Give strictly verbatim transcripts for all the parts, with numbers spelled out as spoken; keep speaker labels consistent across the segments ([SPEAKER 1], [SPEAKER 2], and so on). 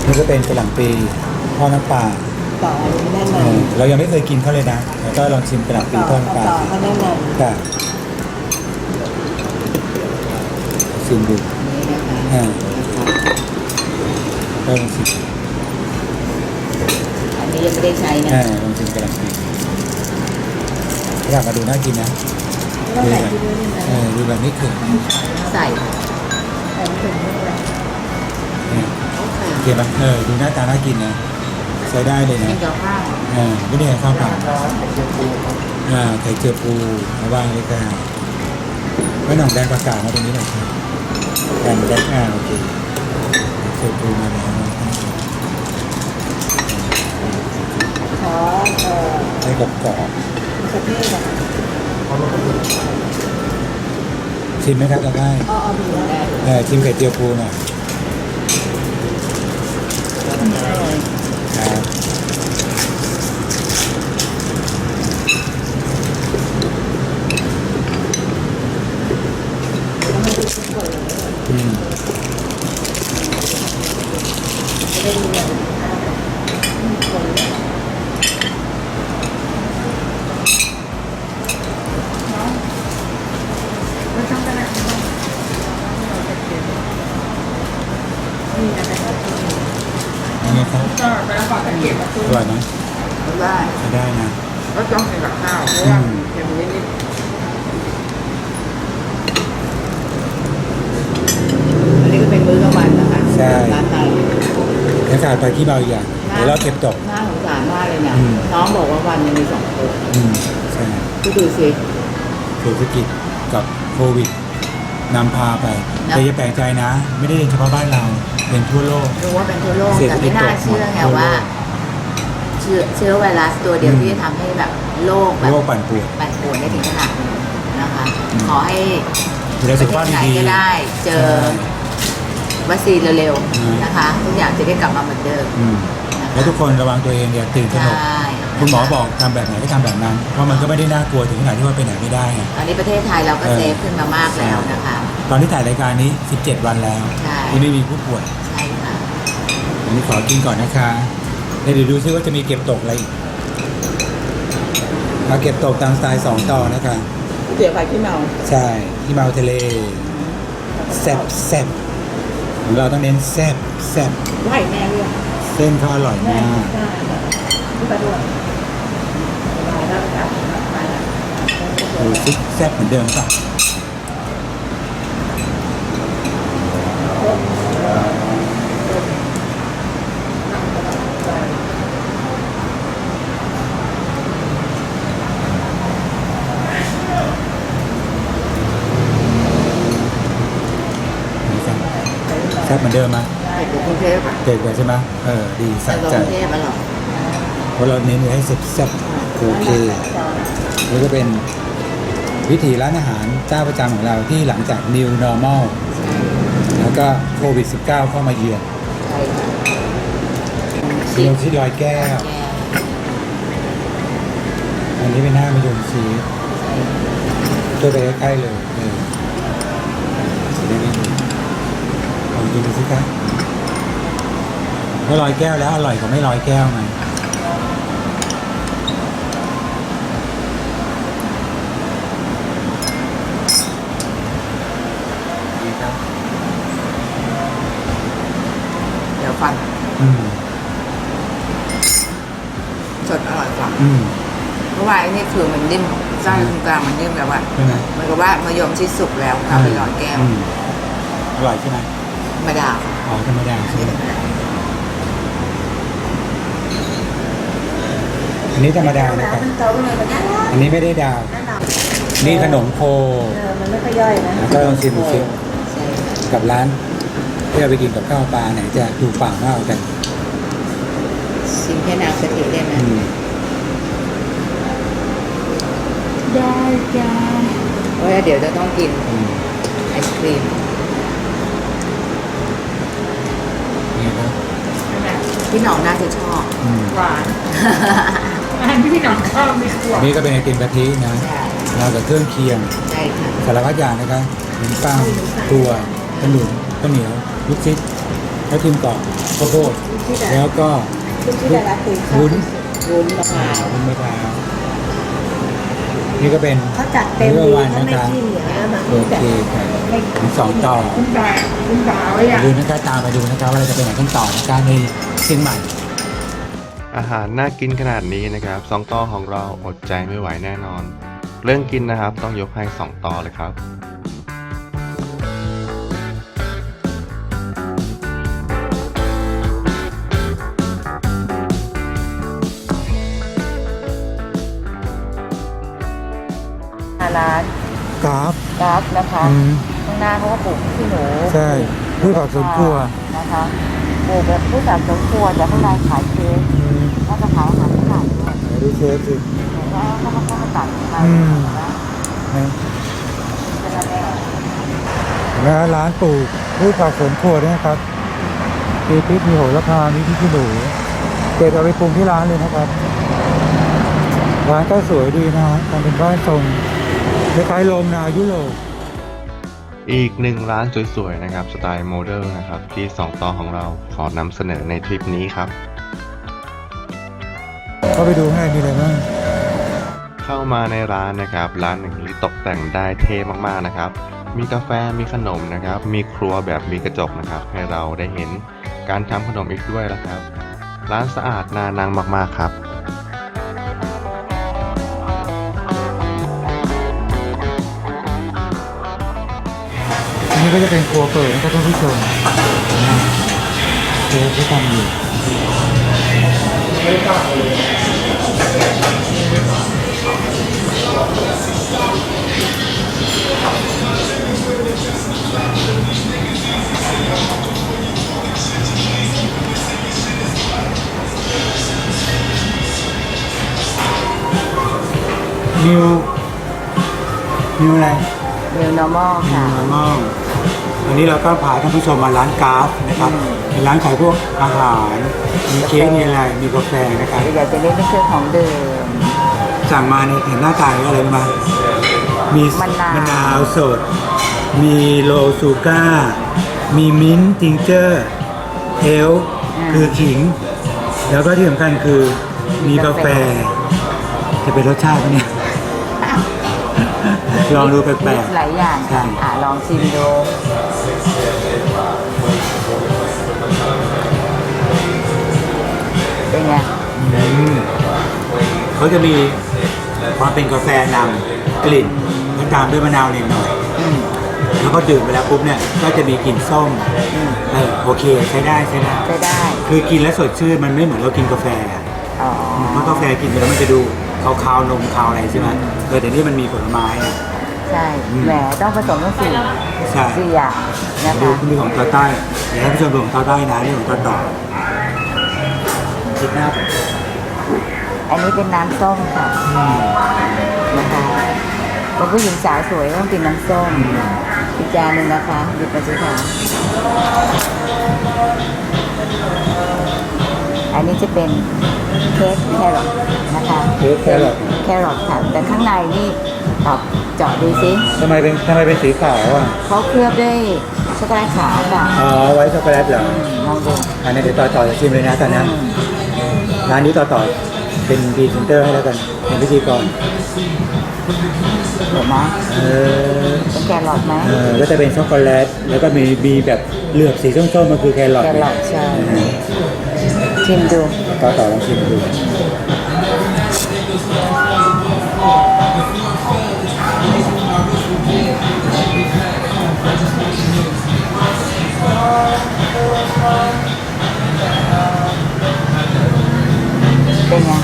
[SPEAKER 1] นี่ก็เป็นกระหล่ำปีทอดน้ำปลา
[SPEAKER 2] ต่ออันนี้แน่น
[SPEAKER 1] เอ
[SPEAKER 2] อน
[SPEAKER 1] อเรายังไม่เคยกินเขาเลยนะแล้วก็ลองชิมกระหล่ำปี
[SPEAKER 2] ต่อ
[SPEAKER 1] ทอดน้ำปลา
[SPEAKER 2] ต่อเขาแน่นอน
[SPEAKER 1] ค่ะชิมดู
[SPEAKER 2] นี่นะคะ
[SPEAKER 1] อ่าก็ลองชิม
[SPEAKER 2] อันนี้ยังไม่ได้ใช้นะ
[SPEAKER 1] อ่าลองชิมกระหล่ำปีอยากมาดูน่ากินนะ
[SPEAKER 2] ต้องใส่ที่ด้วยนะ
[SPEAKER 1] เออดูแบบไม่เขิน
[SPEAKER 2] ใส่ใส่ถึงด้วย
[SPEAKER 1] เนี่ยโอเคไหมเออดูหน้าตาน่ากินนะใช้ได้เลยนะ
[SPEAKER 2] กินกับข้าว
[SPEAKER 1] อ่าไม่ได้ให้ข้าวเปล่าอ่าไข่เจียวปูมาว่างเลยค่ะไม่หน่องแดงประกาศมาตรงนี้หน่อยครับแดงแดงอ่าโอเคไข่เจียวปูมาแล้ว
[SPEAKER 2] ขอเอ่อ
[SPEAKER 1] ให้กรอบกรอบ
[SPEAKER 2] สเปรย์แบบ
[SPEAKER 1] ชิมไหมครับจะได้
[SPEAKER 2] อ้อมีได้
[SPEAKER 1] เออชิมไข่เจียวปูหน่อย
[SPEAKER 2] อร่อย
[SPEAKER 1] ครับอืม
[SPEAKER 2] จะได้ดูแบบคน ไม่ต้องกระดาษนี่อะไรก็
[SPEAKER 1] ยังไงครับ
[SPEAKER 2] ก็ไปฝากกันเก็บมาตู้
[SPEAKER 1] อร่อยไหม
[SPEAKER 2] ได้
[SPEAKER 1] ใช้ได้นะ
[SPEAKER 2] ก็ต้องกินกับข้าวเพราะว่าเค็มนิดๆอันนี้ก็เป็นมื้อกลางวันนะคะร้านไทย
[SPEAKER 1] แล้วขาดไปที่เบาอีกอย่างเดี๋ยวเราเก็บตก
[SPEAKER 2] น่าสงสารมากเลยนะ
[SPEAKER 1] อืม
[SPEAKER 2] น้องบอกว่าวันหนึงมีสองคน
[SPEAKER 1] อืมใช่
[SPEAKER 2] ก็ดูสิ
[SPEAKER 1] เศรษฐกิจกับโควิดนำพาไป
[SPEAKER 2] นะ
[SPEAKER 1] แต่อย่าแปลกใจนะ ไม่ได้เป็นเฉพาะบ้านเราเป็นทั่วโลก
[SPEAKER 2] รู้ว่าเป็นทั่วโลก
[SPEAKER 1] เศรษฐ
[SPEAKER 2] แต่
[SPEAKER 1] กิ
[SPEAKER 2] ไม่
[SPEAKER 1] จ
[SPEAKER 2] น่า
[SPEAKER 1] ตก
[SPEAKER 2] เชื่อไง
[SPEAKER 1] ทั่วโลก
[SPEAKER 2] ว่า เชื้อเชื้อไวรัสตัวเดียว
[SPEAKER 1] อืม
[SPEAKER 2] ที่จะทำให้แบบโลกแบบ
[SPEAKER 1] โลกปั่นป่วน
[SPEAKER 2] ปั่นป่วนได้ถึงขนาดนี้นะคะ
[SPEAKER 1] อืม
[SPEAKER 2] ขอให้
[SPEAKER 1] ดูแล
[SPEAKER 2] ป
[SPEAKER 1] สุ
[SPEAKER 2] ระ
[SPEAKER 1] ข
[SPEAKER 2] เท
[SPEAKER 1] ภาพ
[SPEAKER 2] ศไหน
[SPEAKER 1] ดี
[SPEAKER 2] ก็ได้
[SPEAKER 1] ๆ
[SPEAKER 2] เจอวัคซีนเร็ว
[SPEAKER 1] อืม
[SPEAKER 2] ๆนะคะ ทุกอย่างจะได้กลับมาเหมือนเดิม
[SPEAKER 1] อืม
[SPEAKER 2] นะคะ
[SPEAKER 1] แล้วทุกคนระวังตัวเองอย่าตื่นตระหนก
[SPEAKER 2] ใช่
[SPEAKER 1] คุณหมอบอกทำแบบไหนก็ทำแบบนั้น เพราะมันก็ไม่ได้น่ากลัวถึงขนาดที่ว่าไปไหนไม่ได้ไง
[SPEAKER 2] ตอนนี้ประเทศไทยเราก็
[SPEAKER 1] เออ
[SPEAKER 2] เซฟขึ้นมามากแล้วนะคะ
[SPEAKER 1] ตอนที่ถ่ายรายการนี้ สิบเจ็ด วันแล้ว
[SPEAKER 2] ใช่
[SPEAKER 1] ที่ไม่มีผู้ป่วย
[SPEAKER 2] ใช่ค่ะ
[SPEAKER 1] อันนี้ขอกินก่อนนะคะแล้วเดี๋ยวดูซิว่าจะมีเก็บตกอะไรอีกมาเก็บตกตามสไตล์สองต่อนะคะ
[SPEAKER 2] เดี๋ยวไปที่เมา
[SPEAKER 1] ใช่ที่เมาทะเลแซ่บแซ่บของเราต้องเน้นแซ่บแซ่บ
[SPEAKER 2] ไหวแม่เรื่อง
[SPEAKER 1] เส้นเขาอร่อยมาก
[SPEAKER 2] ไปด้วยไปแล้วครับไปแล้ว
[SPEAKER 1] ดูซิแซ่บเหมือนเดิมป่ะนี่ครับแซ่บเหมือนเดิมไหม
[SPEAKER 2] ไปถึงกรุงเทพอ่ะ
[SPEAKER 1] เด็ดกว่าใช่ไหมเออดี
[SPEAKER 2] ไป
[SPEAKER 1] สะ
[SPEAKER 2] กรุ
[SPEAKER 1] ใจ
[SPEAKER 2] งเทพอร่อย
[SPEAKER 1] เพราะเราเน้นให้แซ่บแซ่บโอเคนี่ก็เป็นวิถีร้านอาหารเจ้าประจำของเราที่หลังจาก New Normal แล้วก็โควิด สิบเก้า เข้ามาเยือน
[SPEAKER 2] ใช่ค่ะ
[SPEAKER 1] มีนมชีสลอยแก้ว อันนี้เป็นหน้ามะยมชีสตัวไปใกล้ๆเลยเออจะได้ไม่ดูลองกินดูสิครับถ้าลอยแก้วแล้วอร่อยกว่าไม่ลอยแก้วไหมดีครับ
[SPEAKER 2] เดี๋ยวฟัง
[SPEAKER 1] อืม
[SPEAKER 2] สดอร่อยกว่า
[SPEAKER 1] อืม
[SPEAKER 2] เพราะว่าไอ้นี่คือมันนิ่มไส้ตรงกลางมันนิ่มแบบว่า
[SPEAKER 1] ใช่ไหม
[SPEAKER 2] เหมันก็ว่ามะยมที่สุกแล้วเอาไปหลอดแก้ว
[SPEAKER 1] อืมอร่อยใช่ไหม
[SPEAKER 2] ธรรมดา
[SPEAKER 1] อ๋อธรรมดาใช่ไหมอันนี้ธรรมดานะครับ
[SPEAKER 2] มันโตเลยมันน่ารัก
[SPEAKER 1] อันนี้ไม่ได้ดาว
[SPEAKER 2] น่ารัก
[SPEAKER 1] นี่ขนมโค
[SPEAKER 2] เออมันไม่ค่อยย่อยนะ
[SPEAKER 1] แล้วก็ลองชิมดูสิ
[SPEAKER 2] ใช่ค่ะ
[SPEAKER 1] กับร้านที่เราไปกินกับข้าวปลาไหนจะถูกปากมากกว่ากัน
[SPEAKER 2] ชิมแค่น้ำกะทิได้ไหม
[SPEAKER 1] อืม
[SPEAKER 2] ได้จ้าเพราะว่าเดี๋ยวจะต้องกิน
[SPEAKER 1] อืม
[SPEAKER 2] ไอศครีม
[SPEAKER 1] นี่ครับ
[SPEAKER 2] พี่หน้องน่าจะชอบ
[SPEAKER 1] อืม
[SPEAKER 2] หวาน
[SPEAKER 3] อันที่พี่หน้องชอบมีขวด
[SPEAKER 1] นี่ก็เป็นไอติมกะทินะ
[SPEAKER 2] ใช่
[SPEAKER 1] เรากับเครื่องเคียง
[SPEAKER 2] ใช่ค่ะ
[SPEAKER 1] สารพัดอย่างนะครับขนมปังตัวขนุนข้าวเหนียวลูกชิดข้าวทิมกรอบข้าวโพด
[SPEAKER 2] ชที่แต่
[SPEAKER 1] แล้วก็
[SPEAKER 2] ลูกที่แต่ละตีชอบ
[SPEAKER 1] วุ้น
[SPEAKER 2] วุ้นมะพร้าว
[SPEAKER 1] วุ้นมะพร้าวนี่ก็เป็น
[SPEAKER 2] เขาจัดเต็ม
[SPEAKER 1] มื้อ
[SPEAKER 2] ดี
[SPEAKER 1] วัน
[SPEAKER 2] เขา
[SPEAKER 1] นะ
[SPEAKER 2] ไม่
[SPEAKER 1] คะ
[SPEAKER 2] จิ้มอย่างนี้นนะ
[SPEAKER 1] โอเคค่ะมีสองต่อ
[SPEAKER 3] คุณตาคุณตาไว้
[SPEAKER 1] อย่า
[SPEAKER 3] อ่ะ
[SPEAKER 1] ลืมนะคะตามมาดูนะคะว่าเราจะไปไหนกันต่อนะคะในเชียงใหม่
[SPEAKER 4] อาหารน่ากินขนาดนี้นะครับสองต่อของเราอดใจไม่ไหวแน่นอน เรื่องกินนะครับต้องยกให้สองต่อเลยครับ
[SPEAKER 2] ร้าน
[SPEAKER 1] กราฟ
[SPEAKER 2] กราฟนะคะ
[SPEAKER 1] อืม
[SPEAKER 2] ข้างหน้าเขาก็ปลูกขี้หนู
[SPEAKER 1] ใช่พืชผักสวนครัว
[SPEAKER 2] นะคะปลูกแบบพืชผักสวนครัวแต่ข้างในขายเค้ก
[SPEAKER 1] อืม
[SPEAKER 2] น่าจะขายอาหารฝรั่งด้วย
[SPEAKER 1] ไหนดูเชฟสิ
[SPEAKER 2] แต่ว่าเขามาเข้ามาตัดมา
[SPEAKER 1] อืม
[SPEAKER 2] นะ
[SPEAKER 1] นะ
[SPEAKER 2] เป็นอะไรอ่ะ
[SPEAKER 1] แล้วร้านปลูกพืชผักสวนครัวด้วยนะครับมีพริกมีโหระพามีพริกขี้หนูเด็ดเอาไปปรุงที่ร้านเลยนะครับ ร้านก็สวยดีนะฮะทำเป็นบ้านทรงคล้ายๆโรงนายุโรป
[SPEAKER 4] อีกหนึ่งร้านสวยๆนะครับสไตล์โมเดิร์นนะครับที่สองต่อของเราขอนำเสนอในทริปนี้ครับ
[SPEAKER 1] เข้าไปดูข้างในมีอะไรบ้าง
[SPEAKER 4] เข้ามาในร้านนะครับร้านหนึ่งที่ตกแต่งได้เท่มากๆนะครับมีกาแฟมีขนมนะครับมีครัวแบบมีกระจกนะครับให้เราได้เห็นการทำขนมอีกด้วยนะครับ ร้านสะอาดน่านั่งมากๆครับ
[SPEAKER 1] อันนี้ก็จะเป็นครัวเปิดนะครับท่านผู้ชมเชฟที่ทำอยู่นิวนิวอะไร
[SPEAKER 2] นิวนอร์มอลค่ะ
[SPEAKER 1] นิวนอร์มอลวันนี้เราก็พาท่านผู้ชมมาร้านกราฟนะครับเป็นร้านขายพวกอาหาร มีเค้กมีอะไร มีกาแฟนะครับ
[SPEAKER 2] อยากจะเล่นเป็นเครื่องของเดิม
[SPEAKER 1] สั่งมาในเห็นหน้าตาอะไรรู้ไหมามี
[SPEAKER 2] มะนาว
[SPEAKER 1] มะนาวสด มีโลซูก้า มีมิ้นท์จิงเจอร์เอลคือขิง แล้วก็ที่สำคัญคือมีกาแฟ จะเป็นรสชาติปะเนี่ย ลองดูแปลก
[SPEAKER 2] มีหลายอย่าง
[SPEAKER 1] ใช่
[SPEAKER 2] อ่ะลองชิมดูเป็นไง
[SPEAKER 1] ๆอืมเขาจะมีความเป็นกาแฟนำกลิ่นแล้วตามด้วยมะนาวนิดหน่อย
[SPEAKER 2] อืม
[SPEAKER 1] แล้วก็ดื่มไปแล้วปุ๊บเนี่ยก็จะมีกลิ่นส้ม
[SPEAKER 2] อืม
[SPEAKER 1] เออโอเคใช้ได้ใช้ได้
[SPEAKER 2] ใช้ได้
[SPEAKER 1] คือกินแล้วสดชื่นมันไม่เหมือนเรากินกาแฟอะ
[SPEAKER 2] อ๋อ
[SPEAKER 1] เพราะกาแฟกินไปแล้วมันจะดูคาวๆนมคาวอะไรใช่ไหมเออแต่นี่มันมีผลไม้อะ
[SPEAKER 2] ใช่
[SPEAKER 1] อืม
[SPEAKER 2] แหมต้องผสมทั้งสี่
[SPEAKER 1] ใช่
[SPEAKER 2] สี่อย่างนะ
[SPEAKER 1] ดู
[SPEAKER 2] คะ
[SPEAKER 1] มีของตาใต้เดี๋ยวให้ผู้ชมดูของตาใต้นะนี่ของตาต่อคิดหน้าผม
[SPEAKER 2] อันนี้เป็นน้ำส้มค่ะ
[SPEAKER 1] อืม
[SPEAKER 2] นะคะเป็นผู้หญิงสาวสวยต้องกินน้ำส้มอีกจานหนึ่งนะคะหยิบมาสิค่ะอันนี้จะเป็นเค้กแครอทนะคะ
[SPEAKER 1] เค้กแครอท
[SPEAKER 2] แครอทค่ะแต่ข้างในนี่ตอบเจาะดูสิ
[SPEAKER 1] ทำไมเป็นทำไมเป็นสีขาวอ่ะ
[SPEAKER 2] เขาเคลือบด้วยช็อกโกแลตขาวค่ะ
[SPEAKER 1] อ๋อไว้ช็อกโกแลตเหรอ
[SPEAKER 2] ลองดู
[SPEAKER 1] อันนี้เดี๋ยวต่อต่อจะชิมเลยนะตอนนั้น
[SPEAKER 2] อืม
[SPEAKER 1] ร้านนี้ต่อต่อเป็นพรีเซนเตอร์ให้แล้วกันเป็นพิธีกร
[SPEAKER 2] เห็นไหม
[SPEAKER 1] เออ
[SPEAKER 2] เป็นแครอทไหม
[SPEAKER 1] เออก็จะเป็นช็อกโกแลตแล้วก็มีมีแบบเหลือบสีส้มๆมันคือแครอท
[SPEAKER 2] แครอทใช่ชิมดู
[SPEAKER 1] ต่อต่อลองชิมดู
[SPEAKER 2] เป็นไง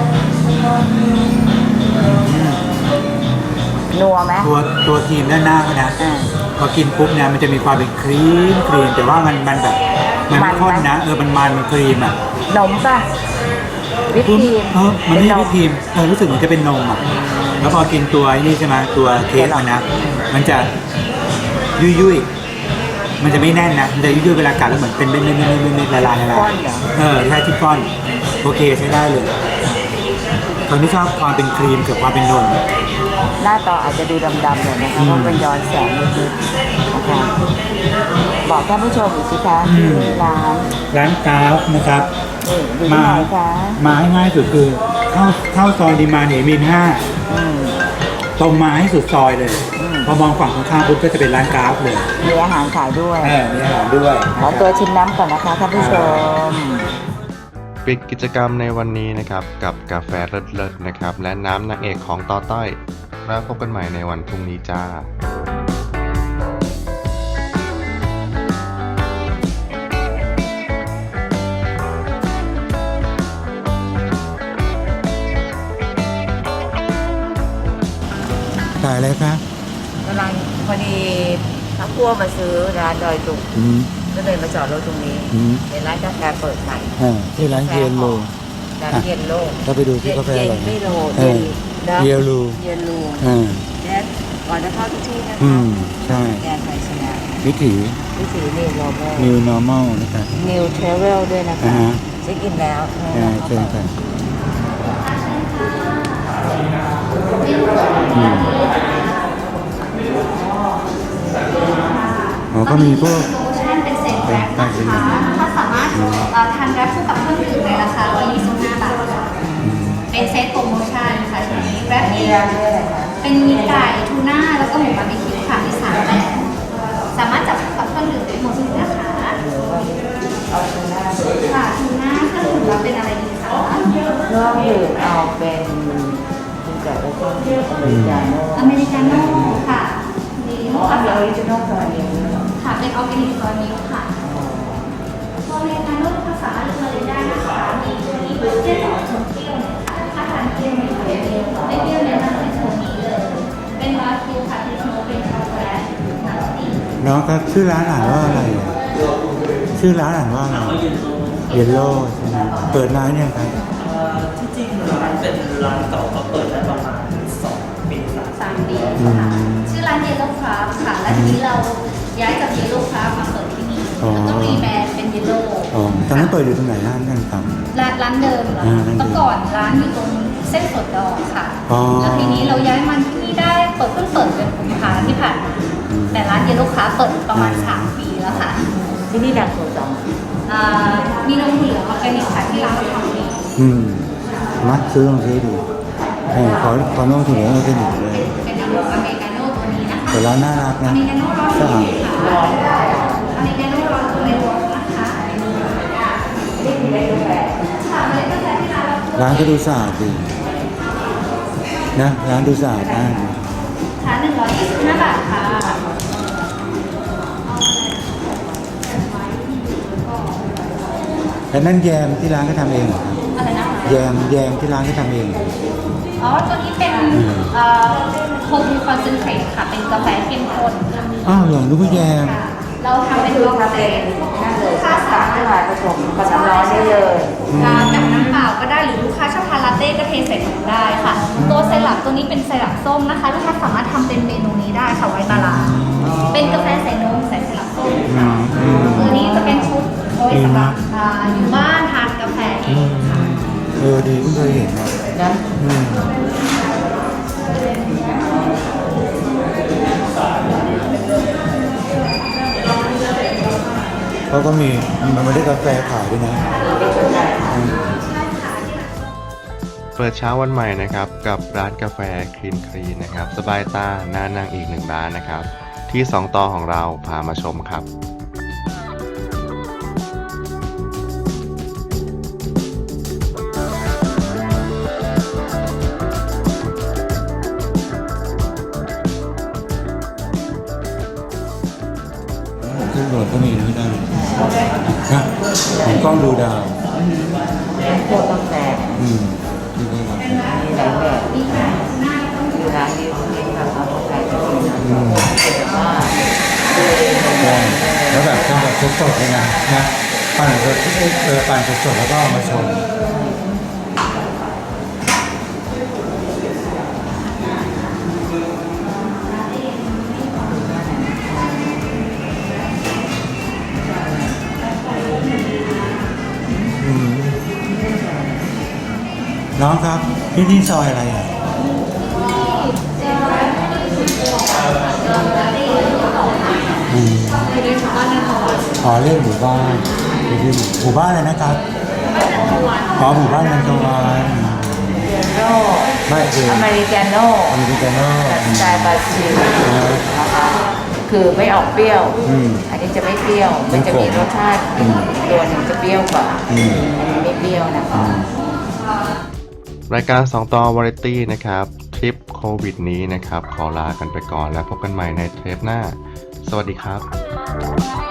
[SPEAKER 2] นัวไหม
[SPEAKER 1] ตัวตัวครีมด้านหน้าเขานะ
[SPEAKER 2] อ่า
[SPEAKER 1] พอกินปุ๊บเนี่ยมันจะมีความเป็นครีมครีมแต่ว่ามันมันแบบมันไม่ข้นนะเออมันมันมันครีมอ่ะ
[SPEAKER 2] นมป่ะวิปครีม
[SPEAKER 1] เออมันไม่ใช่
[SPEAKER 2] เป็
[SPEAKER 1] วิปครีมเออรู้สึกเหมือนจะเป็นนมอ่ะแล้วพอกินตัวนี่ใช่ไหมตัวเค้กมันนะมันจะยุ่ยยุ่ยๆมันจะไม่แน่นนะมันจะยุ่ยยุ่ยๆเวลากัดแล้วเหมือนเป็นเม็ดเม็ดเม็ดเม็ดเม็ดละลายละลาย
[SPEAKER 2] ก้อนเหรอ
[SPEAKER 1] เออใช่ที่ก้อนโอเคใช้ได้เลยคนที่ชอบความเป็นครีมกับความเป็นนม
[SPEAKER 2] หน้าตาอาจจะดูดำๆหน่อยนะคะเพราะมันย้อนแสงนิดๆนะคะบอกท่านผู้ชมอีกสิคะ
[SPEAKER 1] อื
[SPEAKER 2] ที่
[SPEAKER 1] ม
[SPEAKER 2] ร้าน
[SPEAKER 1] ร้านกราฟนะครับ
[SPEAKER 2] นี่อยู่ที่ไหนคะ
[SPEAKER 1] มาให้ง่ายสุดคือเข้าเข้าซอยดีมาเนมินห้า
[SPEAKER 2] อืม
[SPEAKER 1] ตรงมาให้สุดซอยเลย
[SPEAKER 2] อืม
[SPEAKER 1] พอมองฝั่งตรงข้ามปุ๊บก็จะเป็นร้านกราฟเลย
[SPEAKER 2] มีอาหารขายด้วย
[SPEAKER 1] เออมีอาหารด้วย
[SPEAKER 2] ขอตัวชิมน้ำก่อนนะคะท่านผู้ชม
[SPEAKER 4] ปิดกิจกรรมในวันนี้นะครับกับกาแฟเลิศๆนะครับและน้ำนางเอกของต่อต้อยแล้วพบกันใหม่ในวันพรุ่งนี้จ้า
[SPEAKER 1] ขายอะไรครับ
[SPEAKER 2] กำลังพอดีพักพวกมาซื้อร้านดอยตุง
[SPEAKER 1] อืม
[SPEAKER 2] ก็เลยมาจอดรถตรงนี้
[SPEAKER 1] อืม
[SPEAKER 2] เป็นร้านกาแฟเปิดใหม่
[SPEAKER 1] อ่าที่ร้านเยนโล
[SPEAKER 2] ร้านเย็นโลก
[SPEAKER 1] ก็ไปดูที่กาแฟอร่อย
[SPEAKER 2] เย็น
[SPEAKER 1] นะ
[SPEAKER 2] ไม่โล
[SPEAKER 1] เออ
[SPEAKER 2] นะ
[SPEAKER 1] เยลลู
[SPEAKER 2] เย็นลู
[SPEAKER 1] อ่า
[SPEAKER 2] และก่อนจะเข้าทุกที่นะ
[SPEAKER 1] อื
[SPEAKER 2] คะ
[SPEAKER 1] มใช่
[SPEAKER 2] แกนไทยชนะ
[SPEAKER 1] วิถี
[SPEAKER 2] วิถีนิวโรเบอร์
[SPEAKER 1] new normal นะครับ
[SPEAKER 2] นิวเทเวลด้วยนะ
[SPEAKER 1] อ่า
[SPEAKER 2] คะ
[SPEAKER 1] ฮะ
[SPEAKER 2] เช็คอินแล้ว
[SPEAKER 1] อ่าเชิญกันอืมอ๋อก็มีพวก
[SPEAKER 5] โลชั่นเป็นเซตแรปนะคะถ้าสามารถเอ่อทานแรปคู่กับเครื่องดื่มในราคาหนึ่งร้อยยี่สิบห้าบาทค่ะเป็นเซตโปรโมชั่นค่ะชุดนี้แรป
[SPEAKER 2] มี
[SPEAKER 5] นี้
[SPEAKER 2] ร้านด้วยอะไรคะ
[SPEAKER 5] เป็นมีไก่ทูน่าแล้วก็หมูบาร์บีคิวค่ะมีสามแบบสามารถจับคู่กับเครื่องดื่มได้หมดเลยนะคะ
[SPEAKER 2] เอาทูน่า
[SPEAKER 5] ค่ะทูน่าเครื่องดื่มเราเป็นอะไรดีคะ
[SPEAKER 2] เครื่องดื่มเอาเป็นคุณไก่แล้วก็อเมริกาโน่
[SPEAKER 5] อเมริกาโน่ค่ะมีลูก
[SPEAKER 2] เอา
[SPEAKER 5] ค้า
[SPEAKER 2] เป็นออริจินอลตัวนี้
[SPEAKER 5] ค่ะเป็นออร์แกนิกซอยมิลค์ค่ะอเมริกาโน่ลูกค้าสามารถเลือกมาเลยได้นะคะมีตัวนี้เบอร์เจอร์ต่อชมเปรี้ยวเนี่ยค่ะถ้าทานเปรี้ยวไม่เปรี้ยวไม่เปรี้ยวแนะนำเป็นตัวนี้เลย เป็นวาคิวค่ะที่โชว์เป็นช็อกโกแลตน้ำสี
[SPEAKER 1] น้องครับชื่อร้านอ่านว่าอะไรอ่ะชื่อร้านอ่านว่าอะไรเยลโล่ใช่ไหมเปิดนานยังครับ
[SPEAKER 6] ที่จริงร้านเป็นร้านเก่าก็เปิดได้ประมาณสองปีสาม
[SPEAKER 5] สามปี
[SPEAKER 1] อื
[SPEAKER 5] ค่ะ
[SPEAKER 1] ม
[SPEAKER 5] ชื่อร้านเยลโล่คราฟค่ะ และทีนี้เราย้ายจากเยลโล่คราฟมาเปิดที่นี่
[SPEAKER 1] อ๋อ
[SPEAKER 5] แล้วก็รีแบรนด์เป็นเยลโล่
[SPEAKER 1] อ๋อตอนนั้นเปิดอยู่ตรงไหนร้านนั่นครับ
[SPEAKER 5] ร้านร้านเดิมเหรอ
[SPEAKER 1] อ่าร้านเดิม
[SPEAKER 5] เมื่อก่อนร้านอยู่ตรงเส้นสดดอกค่ะ
[SPEAKER 1] อ๋อ
[SPEAKER 5] แล้วทีนี้เราย้ายมาที่นี่ได้เปิดเพิ่งเปิดเดือนกุมภาที่ผ่านมา
[SPEAKER 1] อืม
[SPEAKER 5] แต่ร้านเยลโล่คราฟเปิดประมาณสามปีแล้วค่ะ
[SPEAKER 2] ที่นี่ดังสุดสอง
[SPEAKER 5] อ่ามีนมเหลืองออร์แกนิกค่ะที่ร้านเราทำเอง
[SPEAKER 1] อืมมัดซื้อลองซื้อดูเออขอขอน้องถุงเหลืองเอาไปหนึ่งเลย
[SPEAKER 5] เป็นนมอเมริกาโน่ตัวนี้นะคะ
[SPEAKER 1] แต่ร้านน่ารัก
[SPEAKER 5] อ
[SPEAKER 1] นะ
[SPEAKER 5] เมริกาโน่ร้อน
[SPEAKER 1] สะอาด
[SPEAKER 5] ค่ะอเมริกาโน่ร้อนตัวเล็กนะคะ
[SPEAKER 2] นี่มีได้กาแฟ
[SPEAKER 5] ค่ะเมล็ดกาแฟที่ร้านเรา
[SPEAKER 1] ร้านก็ดูสะอาดดีนะร้านดูสะอาดมากเลย
[SPEAKER 5] ค่ะหนึ่งร้อยยี่สิบห้าบาทค่ะ
[SPEAKER 1] แล้วนั่นแยมที่ร้านก็ทำเองเหรอครับ
[SPEAKER 5] อะไรนะคะ
[SPEAKER 1] แยมแยมที่ร้านก็ทำเองเหรอ
[SPEAKER 5] อ๋อ ตัวนี้เป็นโฮมูคอนเซนเทรตค่ะ เป็นกาแฟเข้มข้นค่ะ
[SPEAKER 1] อ้าวเหรอนึกว่าแยม
[SPEAKER 5] เราทำเป็น
[SPEAKER 2] คือ
[SPEAKER 5] บ็อก
[SPEAKER 2] ทำ
[SPEAKER 5] เซ
[SPEAKER 2] เอง
[SPEAKER 5] ต
[SPEAKER 2] นั่นเลย
[SPEAKER 5] ลูกค้า
[SPEAKER 2] ตั
[SPEAKER 5] สาก มาร
[SPEAKER 2] ขึ้น
[SPEAKER 5] ถ
[SPEAKER 2] มาผสมกับน้ำร้อนได้เลย
[SPEAKER 5] อ่ากับน้ำเปล่าก็ได้หรือลูกค้าชอบทานลาเต้ก็เทใส่ถุงได้ค่ะ ตัวไซรัปตัวนี้เป็นไซรัปส้มนะคะ ลูกค้าสามารถทำเป็นเมนูนี้ได้ค่ะไว้บาลานซ์เป็นกาแฟใส่นมใส่ไซรัปส้ม
[SPEAKER 1] อื
[SPEAKER 5] ค่ะ
[SPEAKER 1] มอืม
[SPEAKER 5] ตัวนี้จะเป็นชุดเอาไว้สำหรับอ่าอยู่บ้านทานกาแฟเอ
[SPEAKER 1] อื
[SPEAKER 5] ง
[SPEAKER 1] ม
[SPEAKER 5] ค่ะ
[SPEAKER 1] เออดีเพิ่งเคยเห็นนะ
[SPEAKER 2] นะ
[SPEAKER 1] อืมเขาก็มีมันไม่ได้กาแฟขายด้วยนะอืม
[SPEAKER 4] เปิดเช้าวันใหม่นะครับกับร้านกาแฟคลีนคลีนนะครับสบายตาหน้านั่งอีกหนึ่งร้านนะครับที่สองต่อของเราพามาชมครับ
[SPEAKER 1] ขึ้นโดดก็มีนะไม่ได้นะผมกล้องดูดาว
[SPEAKER 2] พวกกาแฟ
[SPEAKER 1] อืมที่ได้รับ
[SPEAKER 2] มีหลายแบบคือร้านนี้มีแบบเอากาแฟก็มีนะ
[SPEAKER 1] อืม
[SPEAKER 2] แต่ว่า
[SPEAKER 1] ใช่แล้วแบบทำแบบสดๆเลยนะนะปั่นสดเออปั่นสดๆแล้วก็เอามาชงอืมน้องครับที่นี่ซอยอะไรอ่ะอืม
[SPEAKER 3] เล่นบ้านนันทวัน
[SPEAKER 1] อ๋อเล่นหมู่บ้านเล่นหมู่บ้านอะไรนะครับอ๋อหมู่บ้านนันทวัน
[SPEAKER 2] โน่
[SPEAKER 1] ไม่เอง
[SPEAKER 2] อเมริกาโน่
[SPEAKER 1] อเมริกาโน่
[SPEAKER 2] แบบสไตล์บราซิล
[SPEAKER 1] อ่า
[SPEAKER 2] นะคะคือไม่ออกเปรี้ยว
[SPEAKER 1] อืม
[SPEAKER 2] อันนี้จะไม่เปรี้ยว มันจะมีรสชาติ
[SPEAKER 1] อืม
[SPEAKER 2] ตัวหนึ่งจะเปรี้ยวกว่า
[SPEAKER 1] อืม
[SPEAKER 2] อันนี้ไม่เปรี้ยวนะคะ
[SPEAKER 4] รายการสองต่อวาไรตี้นะครับทริปโควิดนี้นะครับ ขอลากันไปก่อนแล้วพบกันใหม่ในเทปหน้า สวัสดีครับ